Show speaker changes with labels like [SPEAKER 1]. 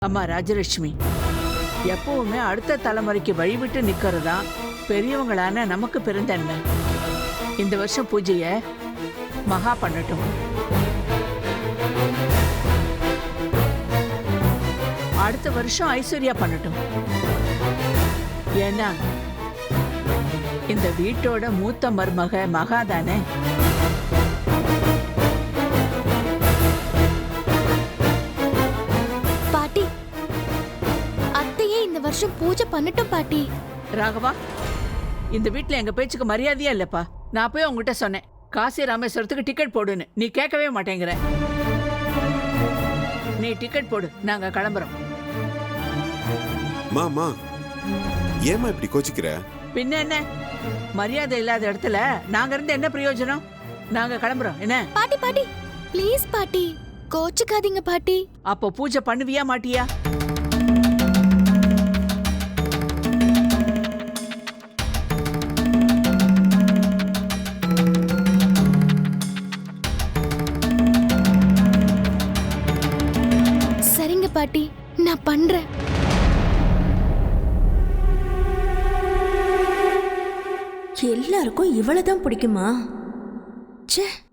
[SPEAKER 1] அம்மா ராஜலட்சுமி, எப்பவுமே அடுத்த தலைமுறைக்கு வழிவிட்டு நிக்கிறதா பெரியவங்களான நமக்கு பெருந்தன்மை. இந்த வருஷம் பூஜைய மகா பண்ணட்டும். அடுத்த வருஷம் ஐஸ்வர்யா பண்ணட்டும். ஏன்னா இந்த வீட்டோட மூத்த மருமக மகா தானே.
[SPEAKER 2] பாட்டி, அத்தையே இந்த வருஷம் பூஜை பண்ணட்டும் பாட்டி.
[SPEAKER 1] ராகவா, இந்த வீட்ல எங்க பேச்சுக்கு மரியாதையா இல்லப்பா. நான் போய் உங்ககிட்ட சொன்னேன் காசி ராமேஸ்வரத்துக்கு டிக்கெட் போடுன்னு. நீ கேட்கவே மாட்டேங்கிற. நீ டிக்கெட் போடு, நாங்க கிளம்புறோம்.
[SPEAKER 3] மாமா ஏமா இப்படி கோச்சிக்கிற?
[SPEAKER 1] பின்ன என்ன, மரியாதை இல்லாத இடத்துல நாங்க இருந்து என்ன பிரயோஜனம்? நாங்க கிளம்புறோம். என்ன
[SPEAKER 2] பாட்டி பாட்டி ப்ளீஸ் பாட்டி, கோச்சுக்காதீங்க பாட்டி.
[SPEAKER 1] அப்போ பூஜை பண்ணுவியா மாட்டியா?
[SPEAKER 2] சரிங்க பாட்டி, நான் பண்றேன்.
[SPEAKER 4] எல்லாருக்கும் இவ்வளவுதான் பிடிக்குமா? ச்சே.